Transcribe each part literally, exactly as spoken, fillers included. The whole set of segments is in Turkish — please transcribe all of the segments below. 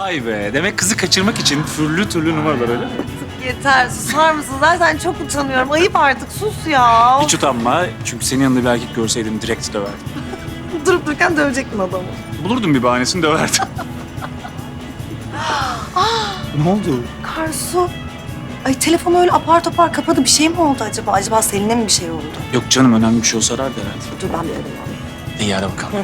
Vay be. Demek kızı kaçırmak için türlü türlü numaralar öyle mi? Yeter, susar mısın? Zaten çok utanıyorum. Ayıp artık, sus ya. Hiç utanma. Çünkü senin yanında bir erkek görseydim direkt döverdim. Durup dururken dövecektin adamı. Bulurdum bir bahanesini döverdim. Ne oldu? Karsu. Ay telefonu öyle apar topar kapadı. Bir şey mi oldu acaba? Acaba Selin'e mi bir şey oldu? Yok canım, önemli bir şey olsa arardı herhalde. Dur ben bir arayayım onu. İyi, ara bakalım.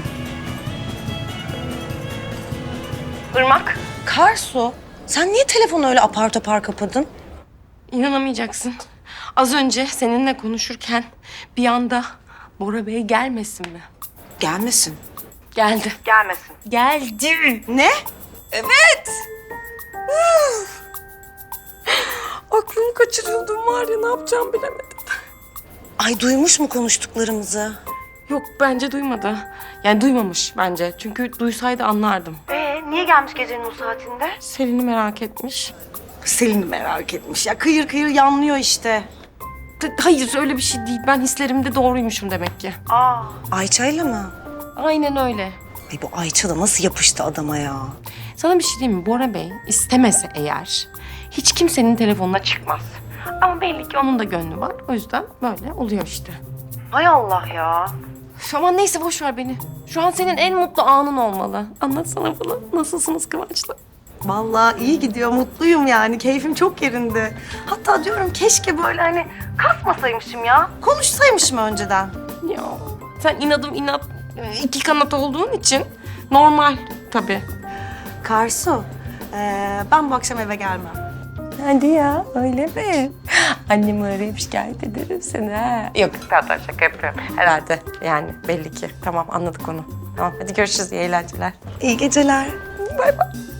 Irmak. Karsu, sen niye telefonu öyle apar topar kapadın? İnanamayacaksın. Az önce seninle konuşurken bir anda Bora Bey gelmesin mi? Gelmesin. Geldi. Gelmesin. Geldi. Ne? Evet. Aklımı kaçırıyordum var ya, ne yapacağımı bilemedim. Ay duymuş mu konuştuklarımızı? Yok, bence duymadı. Yani duymamış bence. Çünkü duysaydı anlardım. Ee, niye gelmiş gecenin o saatinde? Selin'i merak etmiş. Selin merak etmiş. Ya kıyır kıyır yanlıyor işte. D- Hayır, öyle bir şey değil. Ben hislerimde doğruymuşum demek ki. Aa. Ayça'yla mı? Aynen öyle. Ay bu Ayça da nasıl yapıştı adama ya? Sana bir şey diyeyim mi? Bora Bey istemese eğer hiç kimsenin telefonuna çıkmaz. Ama belli ki onun da gönlü var. O yüzden böyle oluyor işte. Hay Allah ya. Üf, aman neyse, boş ver beni. Şu an senin en mutlu anın olmalı. Anlatsana bunu. Nasılsınız Kıvanç'la? Vallahi iyi gidiyor, mutluyum yani. Keyfim çok yerinde. Hatta diyorum keşke böyle hani kasmasaymışım ya. Konuşsaymışım önceden. Ya sen inadım inat, iki kanat olduğun için normal tabii. Karsu, ee, ben bu akşam eve gelmem. Hadi ya, öyle mi? Annemi arayıp şikayet ederim seni ha. Yok, zaten şaka yapıyorum. Herhalde yani belli ki. Tamam, anladık onu. Tamam, hadi görüşürüz, iyi eğlenceler. İyi geceler. Bay bay.